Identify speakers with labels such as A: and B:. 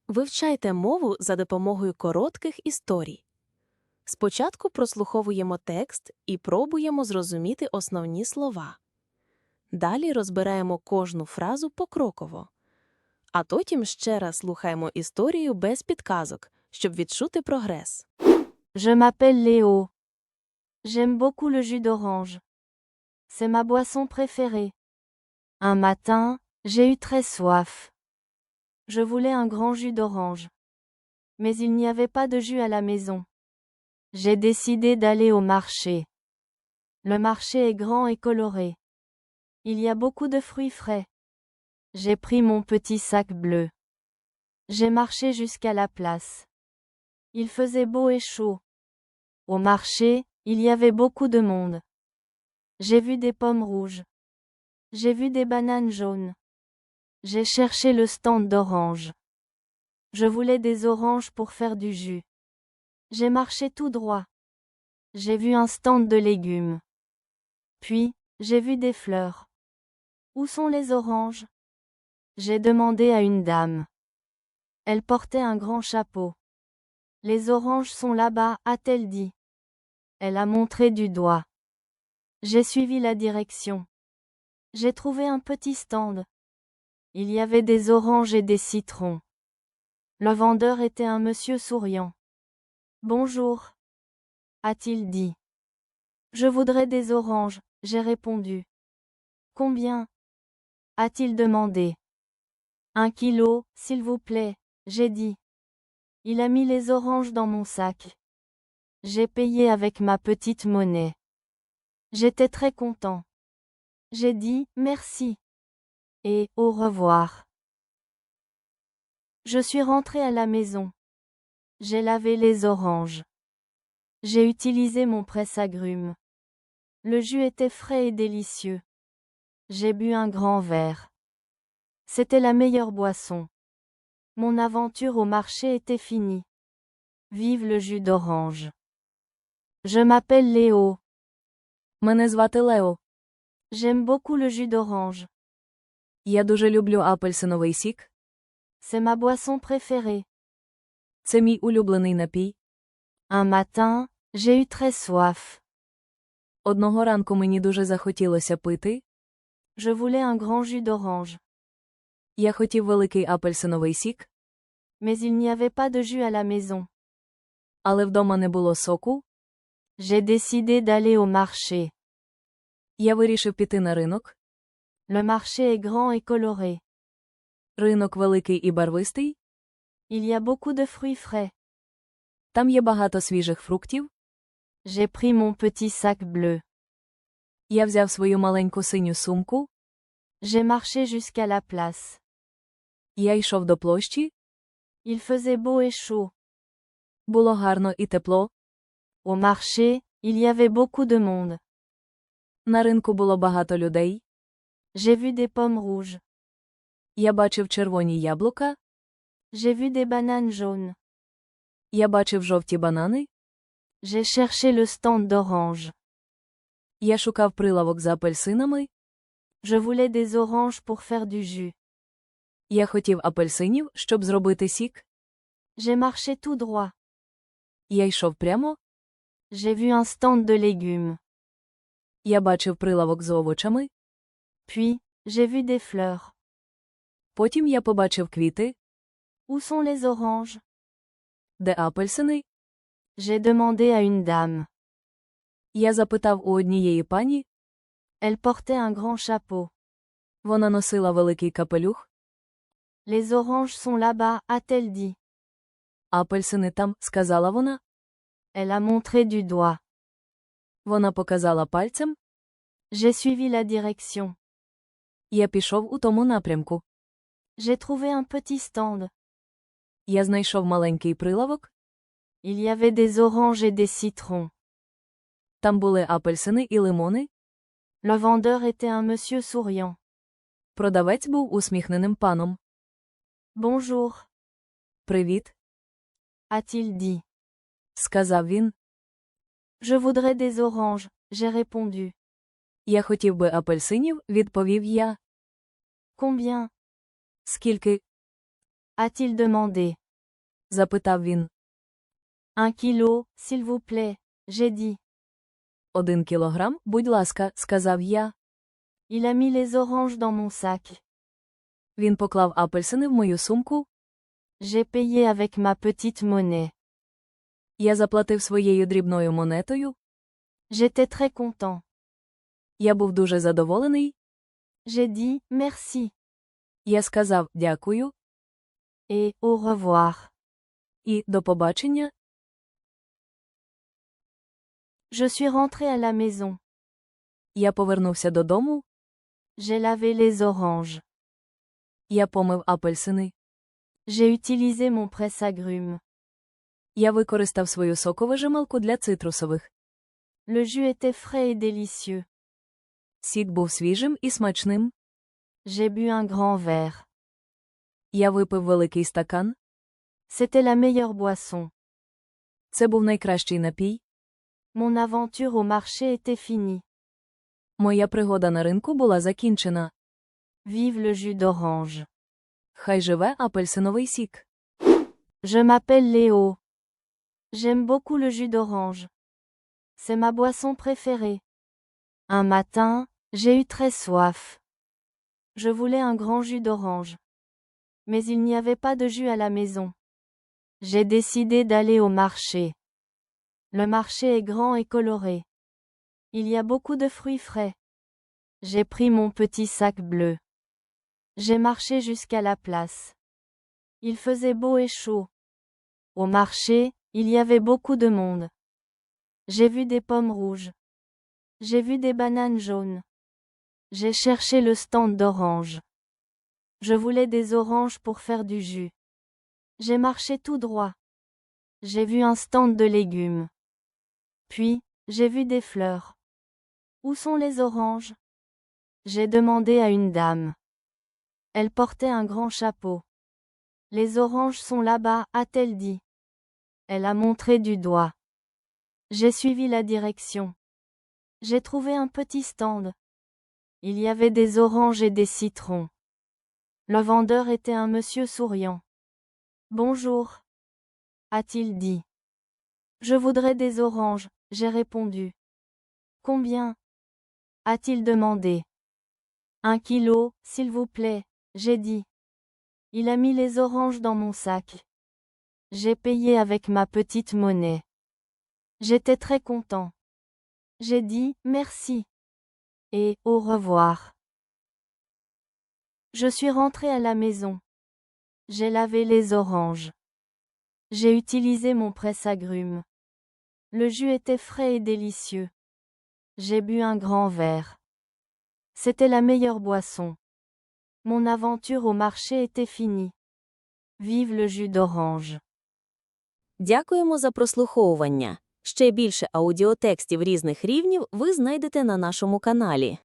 A: Вивчайте мову за допомогою коротких історій. Спочатку прослуховуємо текст і пробуємо зрозуміти основні слова. Далі розбираємо кожну фразу покроково. А потім ще раз слухаємо історію без підказок, щоб відчути прогрес.
B: Je m'appelle Léo. J'aime beaucoup le jus d'orange. C'est ma boisson préférée. Un matin, j'ai eu très soif. Je voulais un grand jus d'orange. Mais il n'y avait pas de jus à la maison. J'ai décidé d'aller au marché. Le marché est grand et coloré. Il y a beaucoup de fruits frais. J'ai pris mon petit sac bleu. J'ai marché jusqu'à la place. Il faisait beau et chaud. Au marché, il y avait beaucoup de monde. J'ai vu des pommes rouges. J'ai vu des bananes jaunes. J'ai cherché le stand d'oranges. Je voulais des oranges pour faire du jus. J'ai marché tout droit. J'ai vu un stand de légumes. Puis, j'ai vu des fleurs. Où sont les oranges? J'ai demandé à une dame. Elle portait un grand chapeau. Les oranges sont là-bas, a-t-elle dit. Elle a montré du doigt. J'ai suivi la direction. J'ai trouvé un petit stand. Il y avait des oranges et des citrons. Le vendeur était un monsieur souriant. Bonjour, a-t-il dit. Je voudrais des oranges, j'ai répondu. Combien? A-t-il demandé. 1 kilo, s'il vous plaît, j'ai dit. Il a mis les oranges dans mon sac. J'ai payé avec ma petite monnaie. J'étais très content. J'ai dit merci. Et au revoir. Je suis rentré à la maison. J'ai lavé les oranges. J'ai utilisé mon presse-agrumes. Le jus était frais et délicieux. J'ai bu un grand verre. C'était la meilleure boisson. Mon aventure au marché était finie. Vive le jus d'orange. Je m'appelle Léo.
C: Мене звати Лео.
B: J'aime beaucoup le jus d'orange.
C: Я дуже люблю апельсиновий сік.
B: C'est ma boisson préférée.
C: Це мій улюблений напій.
B: Un matin, j'ai eu très soif.
C: Одного ранку мені дуже захотілося пити.
B: Je voulais un grand jus d'orange.
C: Я хотів великий апельсиновий сік,
B: Mais il n'y avait pas de jus à la maison.
C: але вдома не було соку.
B: J'ai décidé d'aller au marché.
C: Я вирішив піти на ринок.
B: Le marché est grand et coloré.
C: Ринок великий і барвистий.
B: Il y a beaucoup de fruits frais.
C: Там є багато свіжих фруктів.
B: J'ai pris mon petit sac bleu.
C: Я взяв свою маленьку синю сумку.
B: J'ai marché jusqu'à la place.
C: Я йшов до площі.
B: Il faisait beau et chaud.
C: Було гарно і тепло.
B: Au marché, il y avait beaucoup de monde.
C: На ринку було багато людей.
B: J'ai vu des pommes rouges.
C: Я бачив червоні яблука.
B: J'ai vu des bananes jaunes.
C: Я бачив жовті банани.
B: J'ai cherché le stand d'oranges.
C: Я шукав прилавок з апельсинами.
B: Je voulais des oranges pour faire du jus.
C: Я хотів апельсинів, щоб зробити сік.
B: J'ai marché tout droit.
C: Я йшов прямо.
B: J'ai vu un stand de légumes.
C: Я бачив прилавок з овочами.
B: Puis, j'ai vu des fleurs.
C: Потім я побачив квіти.
B: Où sont les oranges?
C: Де апельсини?
B: J'ai demandé à une dame.
C: Я запитав у однієї пані.
B: Elle portait un grand chapeau.
C: Вона носила великий капелюх.
B: Les oranges sont là-bas, a-t-elle dit.
C: Апельсини там, сказала вона.
B: Elle a montré du doigt.
C: Вона показала пальцем.
B: J'ai suivi la direction.
C: Я пішов у тому напрямку.
B: J'ai trouvé un petit stand.
C: Я знайшов маленький прилавок.
B: Il y avait des oranges et des citrons.
C: Там були апельсини і лимони.
B: Le vendeur était un monsieur souriant.
C: Продавець був усміхненим паном.
B: Bonjour,
C: Привіт,
B: a-t-il dit.
C: сказав він.
B: Je voudrais des oranges, j'ai répondu.
C: Я хотів би апельсинів, відповів я.
B: Combien?
C: Скільки?
B: a-t-il demandé.
C: Запитав він.
B: 1 kilo, s'il vous plaît, j'ai dit.
C: 1 кілограм, будь ласка, сказав я.
B: Il a mis les oranges dans mon sac.
C: Він поклав апельсини в мою сумку.
B: J'ai payé avec ma petite monnaie.
C: Я заплатив своєю дрібною монетою.
B: J'étais très content.
C: Я був дуже задоволений.
B: J'ai dit merci
C: Я сказав дякую
B: et au revoir.
C: і до побачення.
B: Je suis rentré à la maison.
C: Я повернувся додому.
B: J'ai lavé les oranges.
C: Я помив апельсини.
B: J'ai utilisé mon presse-agrumes.
C: Я використав свою соковижималку для цитрусових.
B: Le jus était frais et délicieux.
C: Сік був свіжим і смачним.
B: J'ai bu un grand verre.
C: Я випив великий стакан.
B: C'était la meilleure boisson.
C: Це був найкращий напій.
B: Mon aventure au marché était finie.
C: Моя пригода на ринку була закінчена.
B: Vive le jus d'orange.
C: Хай живе апельсиновий сік.
B: Je m'appelle Léo. J'aime beaucoup le jus d'orange. C'est ma boisson préférée. Un matin, j'ai eu très soif. Je voulais un grand jus d'orange. Mais il n'y avait pas de jus à la maison. J'ai décidé d'aller au marché. Le marché est grand et coloré. Il y a beaucoup de fruits frais. J'ai pris mon petit sac bleu. J'ai marché jusqu'à la place. Il faisait beau et chaud. Au marché, il y avait beaucoup de monde. J'ai vu des pommes rouges. J'ai vu des bananes jaunes. J'ai cherché le stand d'oranges. Je voulais des oranges pour faire du jus. J'ai marché tout droit. J'ai vu un stand de légumes. Puis, j'ai vu des fleurs. Où sont les oranges? J'ai demandé à une dame. Elle portait un grand chapeau. Les oranges sont là-bas, a-t-elle dit. Elle a montré du doigt. J'ai suivi la direction. J'ai trouvé un petit stand. Il y avait des oranges et des citrons. Le vendeur était un monsieur souriant. Bonjour, a-t-il dit. Je voudrais des oranges, j'ai répondu. Combien? A-t-il demandé. 1 kilo, s'il vous plaît, j'ai dit. Il a mis les oranges dans mon sac. J'ai payé avec ma petite monnaie. J'étais très content. J'ai dit merci et au revoir. Je suis rentré à la maison. J'ai lavé les oranges. J'ai utilisé mon presse-agrumes. Le jus était frais et délicieux. J'ai bu un grand verre. C'était la meilleure boisson. Mon aventure au marché était finie. Vive le jus d'orange.
A: Дякуємо за прослуховування. Ще більше аудіотекстів різних рівнів ви знайдете на нашому каналі.